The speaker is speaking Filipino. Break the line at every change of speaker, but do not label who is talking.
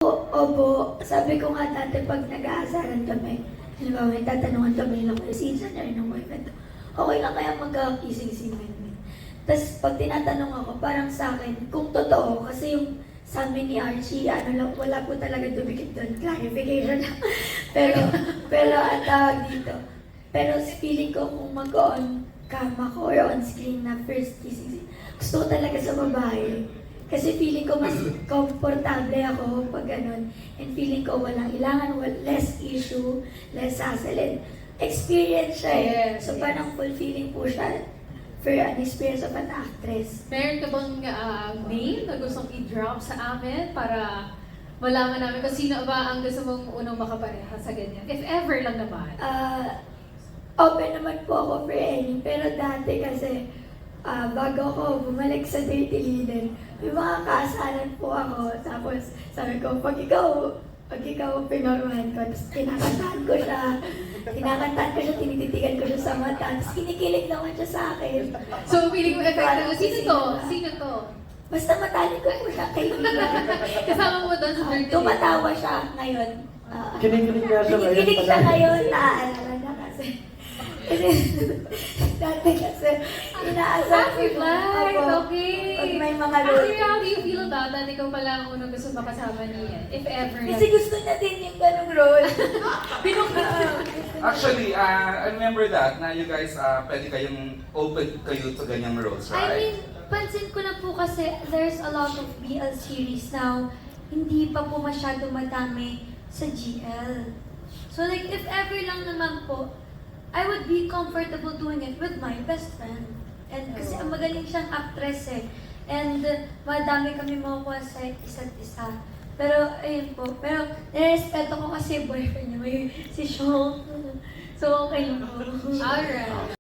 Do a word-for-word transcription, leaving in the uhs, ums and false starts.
opo. Sabi ko nga dati pag nag-aasaran kami, halimbawa may tatanungan kami lang kayo, season na rin ng boyfriend. Okay lang kaya magkakising-sing kami. Tapos pag tinatanong ako, parang sa akin, kung totoo, kasi yung sa amin ni Archie, ano lang, wala po talaga dumikit doon, clarification lang. pero, pero ang tawag dito. Pero feeling ko kung mag-on cam ako or on screen na first kissing scene, gusto ko talaga sa babae. Kasi feeling ko mas komportable ako pag ganun. And feeling ko walang ilangan, wal- less issue, less hassle. And experience siya eh.
Yes,
So
yes.
parang fulfilling po siya for an experience of an actress.
Meron ka bang uh, name na gustong i-drop sa amin para malaman namin kung sino ba ang gusto mong unang makapareha sa ganyan? If ever lang naman.
Ah, open naman po ako for any. Pero dati kasi, ah, bago ako bumalik sa Dirty Linen, may mga kaasaran po ako. Tapos sabi ko, pag ikaw, pag ikaw pinormahan ko, tapos kinakantahan ko siya, kinakantahan ko siya, tinititigan ko siya sa mata, tapos kinikilig naman siya sa akin.
So, feeling mo effective. Sino to? Sino to?
Basta matalik ko po siya, kaibigan.
Kasama mo doon sa
Ah,
Dirty
tumatawa siya ngayon. Ah,
Kinikilig nga siya ngayon.
Kinikilig siya
pala.
ngayon, naaalala na kasi. Kasi, dati kasi, inaasahan
Happy flight!
Opo.
Okay!
Pag may mga
Actually,
role.
how do you feel about that? Ikaw pala ang unang gusto makasama niya. If ever.
Kasi gusto niya din yung ganong role.
Actually, uh, I remember that na you guys, uh, pwede kayong open kayo to ganyang roles,
I
right?
mean, pansin ko na po kasi there's a lot of B L series now, hindi pa po masyado madami sa G L. So like, if ever lang naman po, I would be comfortable doing it with my best friend. And kasi ang magaling siyang actress eh. And uh, madami kami makukuha sa isa't isa. Pero, ayun po. Pero, nirespeto ko kasi boyfriend niya, may si Sean. So, okay lang po.
Alright.